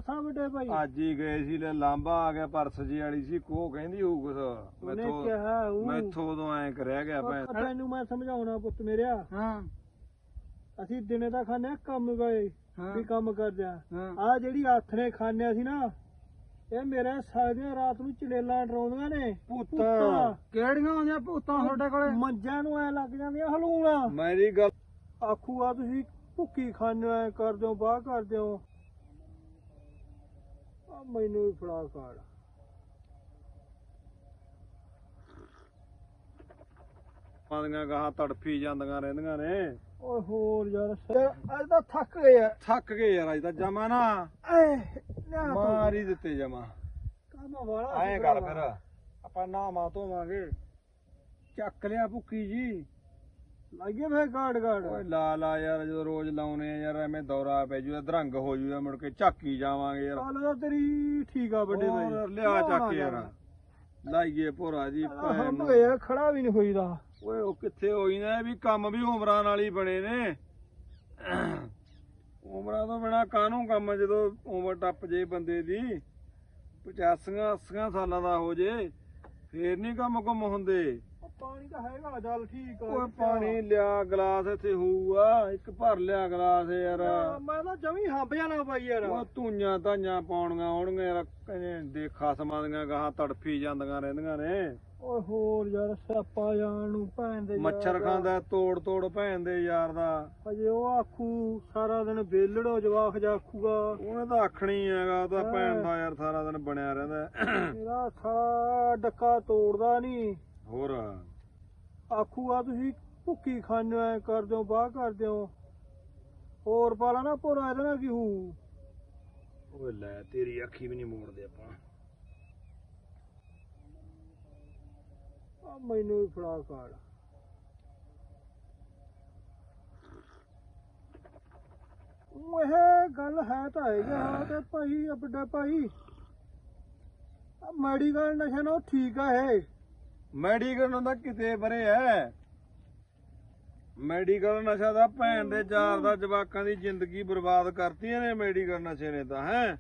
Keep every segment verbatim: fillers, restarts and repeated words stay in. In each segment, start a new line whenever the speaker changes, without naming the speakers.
ਦੱਸਾਂ ਵੱਡੇ ਭਾਈ
ਅੱਜ ਹੀ ਗਏ ਸੀ ਲੈ ਲਾਂਬਾ ਆ ਗਿਆ ਪਰਸ ਜੀ ਵਾਲੀ ਸੀ ਕੋ ਕਹਿੰਦੀ ਹੋਊ ਕੁਛ
ਉਹਨੇ
ਮੈਥੋਂ
ਕਿਹਾ ਉਹ
ਮੈਥੋਂ ਉਦੋਂ ਐਂ ਕਰਿਆ ਗਿਆ ਭੈਣ
ਤੈਨੂੰ ਮੈਂ ਸਮਝਾਉਣਾ ਪੁੱਤ ਮੇਰਿਆ
ਹਾਂ
ਅਸੀਂ ਦਿਨੇ ਤਾਂ ਖਾਣੇ ਕੰਮ ਗਏ
ਹਾਂ
ਵੀ ਕੰਮ ਕਰਦੇ ਆ
ਹਾਂ
ਆ ਜਿਹੜੀ ਹੱਥ ਨੇ ਖਾਣਿਆ ਸੀ ਨਾ ਇਹ ਮੇਰੇ ਸਾਲਿਆਂ ਰਾਤ ਨੂੰ ਚਲੇਲਾਂ ਡਰਾਉਂਦੀਆਂ ਨੇ
ਪੁੱਤਾਂ
ਕਿਹੜੀਆਂ ਆਉਂਦੀਆਂ ਭੂਤਾਂ ਤੁਹਾਡੇ ਕੋਲੇ
ਮੰਜਾਂ ਨੂੰ ਐ ਲੱਗ ਜਾਂਦੀਆਂ ਹਲੂਣਾ
ਮੇਰੀ ਗੱਲ
ਆਖੂ ਆ ਤੁਸੀਂ ਭੁੱਕੀ ਖਾਣੇ ਐ ਕਰਦੇ ਹੋ ਬਾਹ ਕਰਦੇ ਹੋ ਆ ਮੈਨੂੰ ਵੀ ਫੜਾ ਕਾੜ
ਪਾਦੀਆਂ ਗਾਹਾਂ ਤੜਫੀ ਜਾਂਦੀਆਂ ਰਹਿੰਦੀਆਂ ਨੇ
ਓਏ ਹੋਰ ਯਾਰ ਅੱਜ ਤਾਂ ਥੱਕ ਗਏ ਆ
ਥੱਕ ਗਏ ਯਾਰ ਅੱਜ ਤਾਂ ਜਮਾ ਨਾ
ਐ ਨਾ
ਮਾਰ ਹੀ ਦਿੱਤੇ ਜਮਾ
ਕੰਮ ਵਾਲਾ
ਐਂ ਕਰ ਫਿਰ ਆਪਾਂ ਨਹਾਵਾਂ ਧੋਵਾਂਗੇ ਚੱਕ ਲਿਆ ਭੁੱਕੀ ਜੀ
ਲੱਗੇ ਫੇ ਗਾੜ ਗਾੜ
ਓਏ ਲਾ ਲਾ ਯਾਰ ਜਦੋਂ ਰੋਜ਼ ਲਾਉਨੇ ਆ ਯਾਰ ਐਵੇਂ ਦੌਰਾ ਪੈ ਜੂਗਾ ਦਰੰਗ ਹੋ ਜੂਗਾ ਮੁੜ ਕੇ ਝਾਕੀ ਜਾਵਾਂਗੇ ਯਾਰ
ਚੱਲ ਤਾਂ ਤੇਰੀ ਠੀਕ ਆ ਵੱਡੇ ਭਾਈ
ਹੋਰ ਲਿਆ ਚੱਕ ਯਾਰ ਲਾਈਏ ਭੋਰਾ ਜੀ ਭੈਣ
ਹੰਬ
ਨੂੰ।
ਗਏ ਯਾਰ ਖੜਾ ਵੀ ਨਹੀਂ ਹੋਈਦਾ
ਓਏ ਉਹ ਕਿੱਥੇ ਹੋਈ ਨਾ ਇਹ ਵੀ ਕੰਮ ਵੀ ਉਮਰਾਂ ਨਾਲ ਹੀ ਬਣੇ ਨੇ ਉਮਰਾਂ ਤੋਂ ਬਿਨਾ ਕਾਹਨੂੰ ਕੰਮ ਜਦੋਂ ਉਮਰ ਟੱਪ ਜੇ ਬੰਦੇ ਦੀ ਪਚਾਸੀਆਂ ਅੱਸੀਆਂ ਸਾਲਾਂ ਦਾ ਹੋ ਜੇ ਫੇਰ ਨਹੀਂ ਕੰਮ ਕੁਮ ਹੁੰਦੇ
ਪਾਣੀ ਤਾਂ ਹੈਗਾ ਚੱਲ ਠੀਕ ਆ
ਓਏ ਪਾਣੀ ਲਿਆ ਗਲਾਸ ਇੱਥੇ ਹੋਊਗਾ ਇੱਕ ਭਰ ਲਿਆ ਗਲਾਸ ਯਾਰ
ਮੈਂ ਤਾਂ ਜਮੀ ਹੰਬ ਜਾਣਾ ਬਾਈ ਯਾਰ
ਉਹ ਧੂਈਆਂ ਧਾਈਆਂ ਪਾਉਣੀਆਂ ਹੋਣਗੀਆਂ ਯਾਰ ਕਹਿੰਦੇ ਦੇਖਾ ਸਮਾਦੀਆਂ ਗਾਹਾਂ ਤੜਫੀ ਜਾਂਦੀਆਂ ਰਹਿੰਦੀਆਂ ਨੇ
ਓਏ ਹੋਰ ਯਾਰ ਸਿਆਪਾ ਜਾਣ ਨੂੰ ਭੈਣ ਦੇ ਯਾਰ
ਮੱਛਰ
ਦਾ।
ਖਾਂਦਾ ਤੋੜ ਤੋੜ ਭੈਣ ਦੇ ਯਾਰ ਦਾ
ਅਜੇ ਉਹ ਆਖੂ ਸਾਰਾ ਦਿਨ ਵੇਲੜੋ ਜਵਾਖ ਜਾ ਆਖੂਗਾ
ਉਹਨੇ ਤਾਂ ਆਖਣੀ ਹੈਗਾ ਉਹ ਤਾਂ ਭੈਣ ਦਾ ਯਾਰ ਸਾਰਾ ਦਿਨ ਬਣਿਆ ਰਹਿੰਦਾ
ਮੇਰਾ ਸਾਰਾ ਡੱਕਾ ਤੋੜਦਾ ਨਹੀਂ
ਹੋਰ
ਆਖੂ ਆ ਤੁਸੀਂ ਭੁੱਕੀ ਖਾਣੇ ਐ ਕਰਦੇ ਹੋ ਬਾਹ ਕਰਦੇ ਹੋ ਹੋਰ ਪਾਲਾ ਨਾ ਭੋਰਾ ਇਹਦੇ ਨਾਲ ਕੀ ਹੂ
ਓਏ ਲੈ ਤੇਰੀ ਅੱਖੀ ਵੀ ਨਹੀਂ ਮੋੜਦੇ ਆਪਾਂ
ਆ ਮੈਨੂੰ ਵੀ ਫੜਾ ਕਾੜ ਉਹ ਇਹ ਗੱਲ ਹੈ ਤਾਂ ਹੈਗੀ ਹਾਂ ਤੇ ਭਾਈ ਆ ਵੱਡਾ ਭਾਈ ਆ ਮੈਡੀਕਲ ਨਸ਼ਾ ਨਾ ਉਹ ਠੀਕ ਆ ਇਹ
ਮੈਡੀਕਲ ਹੁੰਦਾ ਕਿਤੇ ਬਰੇ ਐ ਮੈਡੀਕਲ ਨਸ਼ਾ ਦਾ ਭੈਣ ਦੇ ਯਾਰ ਦਾ ਜਵਾਕਾਂ ਦੀ ਜ਼ਿੰਦਗੀ ਬਰਬਾਦ ਕਰਤੀਆਂ ਨੇ ਮੈਡੀਕਲ ਨਸ਼ੇ ਨੇ ਤਾਂ ਹੈ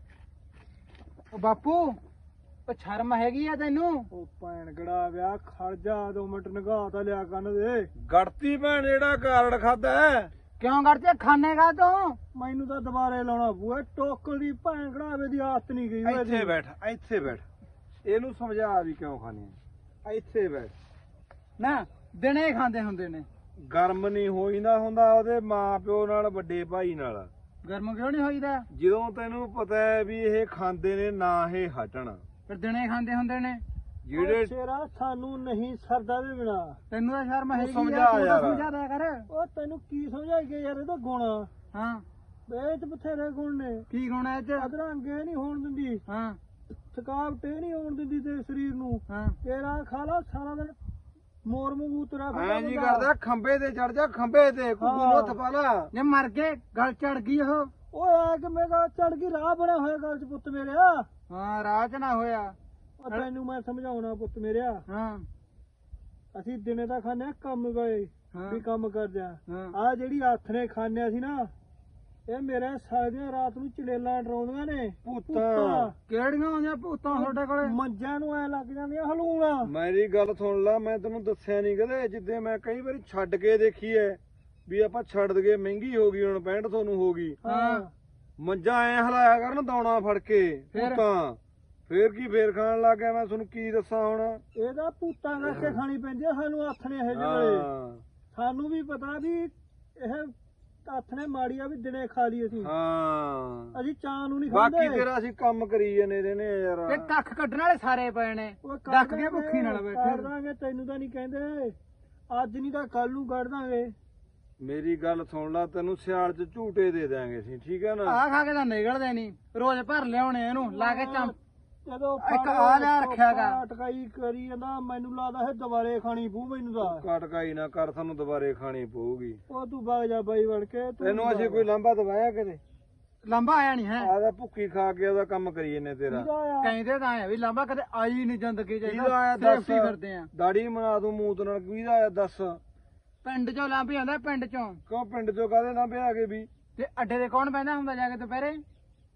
ਉਹ ਬਾਪੂ ਉਹ ਸ਼ਰਮ ਹੈਗੀ ਆ ਤੈਨੂੰ
ਉਹ ਭੈਣ ਗੜਾ ਵਿਆਹ ਖੜ ਜਾ ਦੋ ਮਿੰਟ ਨਿਗਾਹ ਤਾਂ ਲਿਆ ਕੰਨ ਦੇ
ਗੜਤੀ ਭੈਣ ਜਿਹੜਾ ਕਾਰਡ ਖਾਦਾ
ਕਿਉਂ ਕਰਦੇ ਖਾਨੇਗਾ ਤੂੰ
ਮੈਨੂੰ ਤਾਂ ਦੁਬਾਰੇ ਲਾਉਣਾ ਪੂਆ ਟੋਕਲ ਦੀ ਭੈਣ ਗੜਾਵੇ ਦੀ ਆਦਤ ਨਹੀਂ ਗਈ ਓਏ
ਇੱਥੇ ਬੈਠ ਇੱਥੇ ਬੈਠ ਇਹਨੂੰ ਸਮਝਾ ਵੀ ਕਿਉਂ ਖਾਣੀ ਇੱਥੇ ਬੈਠ
ਨਾ ਦਿਨੇ ਖਾਂਦੇ ਹੁੰਦੇ ਨੇ
ਗਰਮ ਨਹੀਂ ਹੋਈਦਾ ਹੁੰਦਾ ਉਹਦੇ ਮਾਂ ਪਿਓ ਨਾਲ ਵੱਡੇ ਭਾਈ ਨਾਲ
ਗਰਮ ਕਿਉਂ ਨਹੀਂ ਹੋਈਦਾ
ਜਦੋਂ ਤੈਨੂੰ ਪਤਾ ਹੈ ਵੀ ਇਹ ਖਾਂਦੇ ਨੇ ਨਾ ਇਹ ਹਟਣ
ਫਿਰ ਦਿਨੇ ਖਾਂਦੇ ਹੁੰਦੇ ਨੇ
ਜਿਹੜੇ
ਸ਼ੇਰਾ ਸਾਨੂੰ ਨਹੀਂ ਸਰਦਾ ਵੀ ਬਿਨਾ
ਤੈਨੂੰ ਤਾਂ ਸ਼ਰਮ ਹੈਗੀ
ਸਮਝਾ
ਆ, ਤੂੰ ਤਾਂ
ਯਾਰ।
ਸਮਝਾ ਦਿਆ ਕਰ
ਉਹ ਤੈਨੂੰ ਕੀ ਸਮਝਾਈਏ ਯਾਰ ਇਹਦਾ ਗੁਣ
ਹਾਂ
ਇਹ ਚ ਬਥੇਰੇ ਗੁਣ ਨੇ
ਕੀ ਹੋਣਾ ਇਹ ਚ
ਅਧਰੰਗੇ ਨਹੀਂ ਹੋਣ ਦਿੰਦੀ
ਹਾਂ
ਥਕਾਵਟ ਇਹ ਨਹੀਂ ਹੋਣ ਦਿੰਦੀ ਤੇ ਸਰੀਰ ਨੂੰ
ਹਾਂ
ਤੇਰਾ ਖਾ ਲਾ ਸਾਰਾ ਦਿਨ ਮੋਰ ਮੂੰਹ ਤੇਰਾ
ਐਂ ਜੀ ਕਰਦਾ ਖੰਬੇ ਤੇ ਚੜ ਜਾ ਖੰਬੇ ਤੇ ਕੁੱਕੂ ਨੂੰ ਹੱਥ ਪਾ ਲਾ
ਜੇ ਮਰ ਗਏ ਗਲ ਚੜ ਗਈ ਉਹ
ਓਏ ਆ ਕਿ ਮੇਰਾ ਚੜ ਗਈ ਰਾਹ ਬਣਿਆ ਹੋਇਆ ਗੱਲ ਚ ਪੁੱਤ ਮੇਰਿਆ
ਹਾਂ ਰਾਹ ਚ ਨਾ ਹੋਇਆ
ਉਹ ਤੈਨੂੰ ਮੈਂ ਸਮਝਾਉਣਾ ਪੁੱਤ ਮੇਰਿਆ
ਹਾਂ
ਅਸੀਂ ਦਿਨੇ ਤਾਂ ਖਾਣੇ ਕੰਮ ਗਏ
ਹਾਂ
ਵੀ ਕੰਮ ਕਰਦੇ ਆ
ਹਾਂ
ਆ ਜਿਹੜੀ ਹੱਥ ਨੇ ਖਾਣਿਆ ਸੀ ਨਾ ਇਹ ਮੇਰੇ ਸਾਲਿਆਂ ਰਾਤ ਨੂੰ ਚਲੇਲਾਂ ਡਰਾਉਂਦੀਆਂ ਨੇ
ਪੁੱਤਾਂ
ਕਿਹੜੀਆਂ ਆਉਂਦੀਆਂ ਭੂਤਾਂ ਤੁਹਾਡੇ ਕੋਲੇ
ਮੰਜਾਂ ਨੂੰ ਐ ਲੱਗ ਜਾਂਦੀਆਂ ਹਲੂਣਾ
ਮੇਰੀ ਗੱਲ ਸੁਣ ਲੈ ਮੈਂ ਤੈਨੂੰ ਦੱਸਿਆ ਨਹੀਂ ਕਦੇ ਜਿੱਦੇ ਮੈਂ ਕਈ ਵਾਰੀ ਛੱਡ ਕੇ ਦੇਖੀ ਐ ਵੀ ਆਪਾਂ ਛੱਡ ਦਗੇ ਮਹਿੰਗੀ ਹੋ ਗਈ ਹੁਣ ਪੈਂਹਠ ਸੌ ਨੂੰ ਹੋ ਗਈ
ਹਾਂ
ਮੰਜਾ ਐ ਹਲਾਇਆ ਕਰਨ ਦੌਣਾ ਫੜ ਕੇ
ਫਿਰ?
ਪੁੱਤਾਂ ਫੇਰ ਕੀ ਫੇਰ ਖਾਣ ਲੱਗ ਗਿਆ ਮੈਂ ਤੁਹਾਨੂੰ ਕੀ ਦੱਸਾਂ ਹੁਣ
ਇਹਦਾ ਭੂਤਾਂ ਕਰਕੇ ਖਾਣੀ ਪੈਂਦੀ ਆ ਸਾਨੂੰ ਹੱਥ ਨੇ ਇਹ ਜਿਹੜੇ
ਹਾਂ
ਸਾਨੂੰ ਵੀ ਪਤਾ ਵੀ ਇਹ ਹੱਥ ਨੇ ਮਾੜੀ ਆ ਵੀ ਦਿਨੇ ਖਾ ਲਈ ਅਸੀਂ
ਹਾਂ
ਅਸੀਂ ਚਾਹ ਨੂੰ ਨਹੀਂ ਖਾਂਦੇ
ਬਾਕੀ ਤੇਰਾ ਅਸੀਂ ਕੰਮ ਕਰੀ ਜਾਂਦੇ ਰਹੇ ਨੇ ਯਾਰ
ਤੇ ਕੱਖ ਕੱਢਣ ਵਾਲੇ ਸਾਰੇ ਪਏ ਨੇ
ਓਏ ਕਰ
ਡੱਕ ਕੇ
ਦਾਂਗੇ,
ਭੁੱਖੀ ਨਾਲ
ਕਰ
ਬੈਠੇ
ਦਾਂਗੇ ਤੈਨੂੰ ਤਾਂ ਨਹੀਂ ਕਹਿੰਦੇ ਅੱਜ ਨਹੀਂ ਤਾਂ ਕੱਲ ਨੂੰ ਕੱਢ ਦਾਂਗੇ
ਮੇਰੀ ਗੱਲ ਸੁਣ ਲੈ ਤੈਨੂੰ ਸਿਆਲ ਚ ਝੂਟੇ ਦੇ ਦਾਂਗੇ ਅਸੀਂ ਠੀਕ ਹੈ ਨਾ
ਆਹ ਖਾ ਕੇ ਤਾਂ ਨਿਕਲਦੇ ਨਹੀਂ ਰੋਜ਼ ਭਰ ਲਿਆਉਣੇ ਇਹਨੂੰ ਲਾ ਕੇ ਚੰਮ
ਜਦੋਂ
ਇੱਕ ਆ ਲਿਆ ਰੱਖਿਆ ਗਾ।
ਟਕਾਈ ਕਰੀ ਜਾਂਦਾ ਮੈਨੂੰ ਲੱਗਦਾ ਇਹ ਦੁਬਾਰੇ ਖਾਣੀ ਪੂ ਮੈਨੂੰ ਤਾਂ
ਕਟਕਾਈ ਨਾ ਕਰ ਸਾਨੂੰ ਦੁਬਾਰੇ ਖਾਣੀ ਪਊਗੀ
ਉਹ ਤੂੰ ਵਗ ਜਾ ਬਾਈ ਵੜ ਕੇ ਤੂੰ
ਤੈਨੂੰ ਅਸੀਂ ਕੋਈ ਲਾਂਭਾ ਦਵਾਇਆ ਕਿਤੇ
ਲੰਬਾ ਆਇਆ ਨਹੀਂ ਹੈ
ਆਦਾ ਭੁੱਖੀ ਖਾ ਕੇ ਉਹਦਾ ਕੰਮ ਕਰੀ ਜੰਨੇ ਤੇਰਾ
ਕਿਹਦਾ ਆਇਆ?
ਕਹਿੰਦੇ ਤਾਂ ਆ ਵੀ ਲੰਬਾ ਕਦੇ ਆਈ ਨਹੀਂ ਜ਼ਿੰਦਗੀ ਚ
ਕਿਹਦਾ ਆਇਆ ਦੱਸ
ਸੇਫਟੀ ਫਿਰਦੇ ਆ
ਦਾੜੀ ਬਣਾ ਦੂੰ ਮੂਤ ਨਾਲ ਕਿਹਦਾ ਆਇਆ ਦੱਸ
ਪਿੰਡ ਚੋਂ ਲੰਬੀ ਆਉਂਦਾ ਪਿੰਡ ਚੋਂ
ਕਿਉਂ ਪਿੰਡ ਚੋਂ ਕਾਹਦੇ ਲਾਂਭੇ ਆ ਗਏ ਵੀ
ਤੇ ਅੱਡੇ ਦੇ ਕੌਣ ਬਹਿੰਦਾ ਹੁੰਦਾ ਜਾ ਕੇ ਦੁਪਹਿਰੇ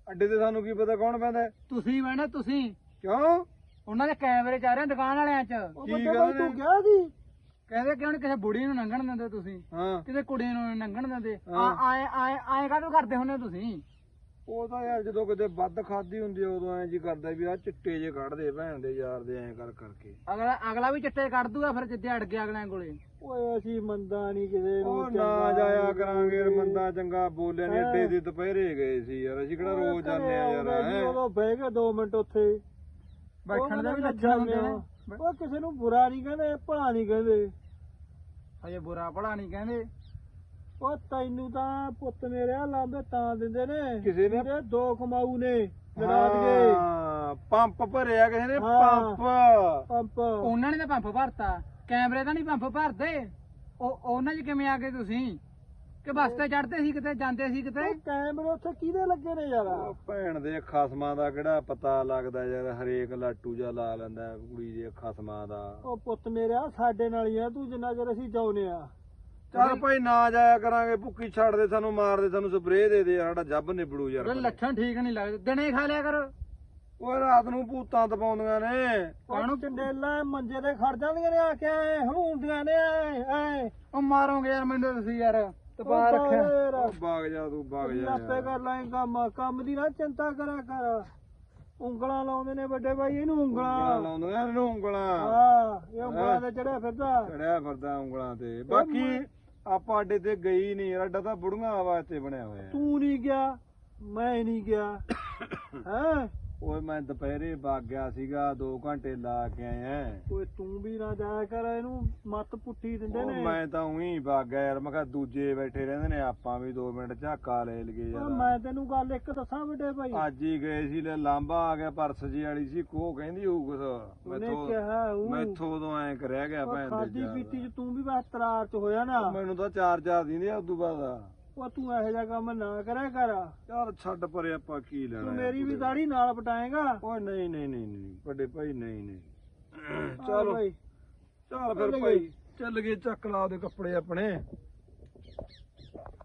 ਅੱਡੇ ਤੇ ਸਾਨੂੰ ਕੀ ਪਤਾ ਕੌਣ ਪੈਂਦਾ ਹੈ?
ਤੁਸੀਂ ਬਹਿਣਾ ਤੁਸੀਂ
ਕਿਉਂ
ਉਹਨਾਂ ਦੇ ਕੈਮਰੇ ਚ ਆ ਰਹੇ ਆ ਦੁਕਾਨ ਵਾਲਿਆਂ ਚ
ਉਹ
ਕੀ
ਵੱਡੇ
ਗੱਲ
ਭਾਈ
ਨੇ?
ਤੂੰ ਗਿਆ ਸੀ
ਕਹਿੰਦੇ ਕਿਉਂ ਨੀ ਕਿਸੇ ਬੁੜੀ ਨੂੰ ਲੰਘਣ ਦਿੰਦੇ ਤੁਸੀਂ
ਹਾਂ
ਕਿਸੇ ਕੁੜੀ ਨੂੰ ਨੀ ਲੰਘਣ ਦਿੰਦੇ ਆ
ਹਾਂ।
ਆਏ ਆਏ ਆਏ ਕਾਹਦੋਂ ਕਰਦੇ ਹੁੰਦੇ ਹੋ ਤੁਸੀਂ
ਉਹ ਤਾਂ ਯਾਰ ਜਦੋਂ ਕਿਤੇ ਵੱਧ ਖਾਦੀ ਹੁੰਦੀ ਆ ਉਦੋਂ ਐਂ ਜੀ ਕਰਦਾ ਵੀ ਆ ਚਿੱਟੇ ਜੇ ਕੱਢਦੇ ਭੈਣ ਦੇ ਯਾਰ ਦੇ ਐਂ ਕਰ ਕਰਕੇ
ਅਗਲਾ ਅਗਲਾ ਵੀ ਚਿੱਟੇ ਕੱਢ ਦੂਗਾ ਫਿਰ ਜਿੱਦੇ ਅੜ ਗਿਆ ਅਗਲਿਆਂ ਕੋਲੇ
ਓਏ ਅਸੀਂ ਮੰਦਾ ਨਹੀਂ ਕਿਸੇ ਨੂੰ
ਉਹ ਨਾ
ਚੰਗਾ
ਜਾਇਆ
ਨੀ
ਕਰਾਂਗੇ
ਕਰਦੇ।
ਬੰਦਾ ਚੰਗਾ ਬੋਲਿਆ ਨਹੀਂ ਅੱਡੇ ਦੇ ਦੁਪਹਿਰੇ ਗਏ ਸੀ ਯਾਰ ਅਸੀਂ ਕਿਹੜਾ ਰੋਜ਼ ਜਾਂਦੇ ਆ ਯਾਰ
ਆਉਂਦਾ ਸੀ,
ਹੈਂ।
ਉਦੋਂ ਬਹਿ ਕੇ ਦੋ ਮਿੰਟ ਉੱਥੇ
ਬੈਠਣ ਦੇ ਵੀ
ਉਹ
ਲੱਛਣ ਹੁੰਦੇ ਨੇ
ਉਹ ਕਿਸੇ ਨੂੰ ਬੁਰਾ ਨਹੀਂ ਕਹਿੰਦੇ ਭਲਾ ਨਹੀਂ ਕਹਿੰਦੇ
ਹਜੇ ਬੁਰਾ ਭਲਾ ਨਹੀਂ ਕਹਿੰਦੇ
ਉਹ ਤੈਨੂੰ ਤਾਂ ਪੁੱਤ ਮੇਰੇ ਲਾਂਬੇ ਤਾਂ ਦਿੰਦੇ ਨੇ
ਕਿਸੇ ਨੇ-
ਜਿਹੜੇ ਦੋ ਕਮਾਊ ਨੇ ਜਰਾਤ ਗਏ
ਹਾਂ, ਪੰਪ ਭਰਿਆ ਕਿਸੇ ਨੇ
ਹਾਂ।
ਪੰਪ
ਪੰਪ
ਉਹਨਾਂ ਨੇ ਤਾਂ ਪੰਪ ਭਰਤਾ ਕੈਮਰੇ ਤਾਂ ਨਹੀਂ ਪੰਪ ਭਰਦੇ ਉਹ ਉਹਨਾਂ 'ਚ ਕਿਵੇਂ ਆ ਗਏ ਤੁਸੀਂ ਕਿ ਬੱਸ ਤੇ ਚੜਦੇ ਸੀ ਕਿਤੇ ਜਾਂਦੇ ਸੀ ਕਿਤੇ
ਉਹ ਕੈਮਰੇ ਉੱਥੇ ਕਿਹਦੇ ਲੱਗੇ ਨੇ ਯਾਰ
ਉਹ ਭੈਣ ਦੇ ਖਸਮਾਂ ਦਾ ਕਿਹੜਾ ਪਤਾ ਲੱਗਦਾ ਯਾਰ ਹਰੇਕ ਲਾਟੂ ਜਾ ਲਾ ਲੈਂਦਾ ਕੁੜੀ ਦੇ ਖਸਮਾਂ ਦਾ
ਉਹ ਪੁੱਤ ਮੇਰਿਆ ਸਾਡੇ ਨਾਲ ਹੀ ਆ ਤੂੰ ਜਿੰਨਾ ਚਿਰ ਅਸੀਂ ਜਾਉਨੇ ਆ
ਚੱਲ ਭਾਈ ਨਾ ਜਾਇਆ ਕਰਾਂਗੇ ਭੁੱਕੀ ਛੱਡ ਦੇ ਸਾਨੂੰ ਮਾਰ ਦੇ ਸਾਨੂੰ ਸਪਰੇਅ ਦੇ ਦੇ ਯਾਰ ਸਾਡਾ ਜੱਬ ਨਿਬੜੂ ਯਾਰ
ਉਹਦੇ ਲੱਛਣ ਠੀਕ ਨਹੀਂ ਲੱਗਦੇ ਦਿਨੇ ਖਾ ਲਿਆ ਕਰੋ
ਓਏ ਰਾਤ ਨੂੰ ਭੂਤਾਂ ਤਪਾਉਂਦੀਆਂ ਨੇ
ਕਾਹਨੂੰ ਚੰਡੇਲਾ ਮੰਜੇ ਤੇ ਖੜ ਜਾਂਦੀਆਂ ਨੇ ਆ ਕੇ ਐ ਹਲੂੰਦੀਆਂ ਨੇ ਐ ਐ
ਉਹ ਮਾਰੋਗੇ ਯਾਰ ਮੈਨੂੰ ਤੁਸੀਂ ਯਾਰ ਤਪਾ ਰੱਖਿਆ
ਉਹ ਬਾਗ ਜਾ ਤੂੰ ਬਾਗ ਜਾ
ਆਪੇ
ਯਾਰ।
ਕਰ ਲਾਂਗੇ ਕੰਮ ਕੰਮ ਦੀ ਨਾ ਚਿੰਤਾ ਕਰਿਆ ਕਰ ਉਂਗਲਾਂ ਲਾਉਂਦੇ ਨੇ ਵੱਡੇ ਭਾਈ ਇਹਨੂੰ
ਉਂਗਲਾਂ
ਉਂਗਲਾਂ
ਲਾਉਂਦੀਆਂ ਇਹਨੂੰ ਉਂਗਲਾਂ
ਹਾਂ ਇਹ ਉਂਗਲਾਂ ਤੇ ਚੜਿਆ ਫਿਰਦਾ
ਚੜਿਆ ਫਿਰਦਾ ਉਂਗਲਾਂ ਤੇ ਬਾਕੀ ਆਪਾਂ ਅੱਡੇ ਤੇ ਗਈ ਨਹੀਂ ਯਾਰ ਅੱਡਾ ਤਾਂ ਬੁੜੀਆਂ ਵਾਸਤੇ ਬਣਿਆ ਹੋਇਆ
ਤੂੰ ਨਹੀਂ ਗਿਆ ਮੈਂ ਨਹੀਂ ਗਿਆ ਹੈ
ਓਏ ਮੈਂ ਦੁਪਹਿਰੇ ਵਗ ਗਿਆ ਸੀਗਾ ਦੋ ਘੰਟੇ ਲਾ ਕੇ ਆਇਆ
ਓਏ ਤੂੰ ਵੀ ਨਾ ਜਾਇਆ ਕਰ ਇਹਨੂੰ ਮੱਤ ਪੁੱਠੀ ਦਿੰਦੇ
ਉਹ
ਨੇ
ਮੈਂ ਤਾਂ ਉਹੀ ਵਗ ਗਿਆ ਯਾਰ ਮੈਂ ਕਿਹਾ ਦੂਜੇ ਬੈਠੇ ਰਹਿੰਦੇ ਨੇ ਆਪਾਂ ਵੀ ਦੋ ਮਿੰਟ ਝਾਕਾ ਲੈ ਲਈਏ
ਉਹ
ਯਾਰ
ਮੈਂ ਤੈਨੂੰ ਗੱਲ ਇੱਕ ਦੱਸਾਂ ਵੱਡੇ ਭਾਈ
ਅੱਜ ਹੀ ਗਏ ਸੀ ਲੈ ਲਾਂਬਾ ਆ ਗਿਆ ਪਰਸ ਜੀ ਵਾਲੀ ਸੀ ਕੋ ਕਹਿੰਦੀ ਹੋਊ ਕੁਛ
ਉਹਨੇ
ਮੈਥੋਂ
ਕਿਹਾ ਉਹ
ਮੈਥੋਂ ਉਦੋਂ ਐਂ ਕਰਿਆ ਗਿਆ ਭੈਣ ਦੇ
ਖਾਦੀ
ਯਾਰ।
ਪੀਤੀ ਚ ਤੂੰ ਵੀ ਬਸ ਤਰਾਰ ਚ ਹੋਇਆ ਨਾ
ਮੈਨੂੰ ਤਾਂ ਚਾਰ ਚਾਰ ਦਿੰਦੇ ਆ ਉਦੋਂ ਬਾਅਦ
ਉਹ ਤੂੰ ਇਹੋ ਜਿਹਾ ਕੰਮ ਨਾ ਕਰਿਆ ਕਰ
ਯਾਰ ਛੱਡ ਪਰੇ ਆਪਾਂ ਕੀ ਲੈਣਾ
ਤੂੰ
ਯਾਰ
ਮੇਰੀ ਵੀ
ਕੁੜੇ।
ਦਾੜੀ ਨਾਲ ਪਟਾਏਗਾ
ਓਏ ਨਹੀਂ ਨਹੀਂ ਨਹੀਂ ਨਹੀਂ ਵੱਡੇ ਭਾਈ ਨਹੀਂ ਨਹੀਂ
ਚੱਲ
ਚਲੋ
ਭਾਈ
ਚੱਲ ਫਿਰ
ਚੱਲ
ਭਾਈ ਚੱਲ ਗਏ ਚੱਕ ਲਾ ਉਹਦੇ ਕੱਪੜੇ ਆਪਣੇ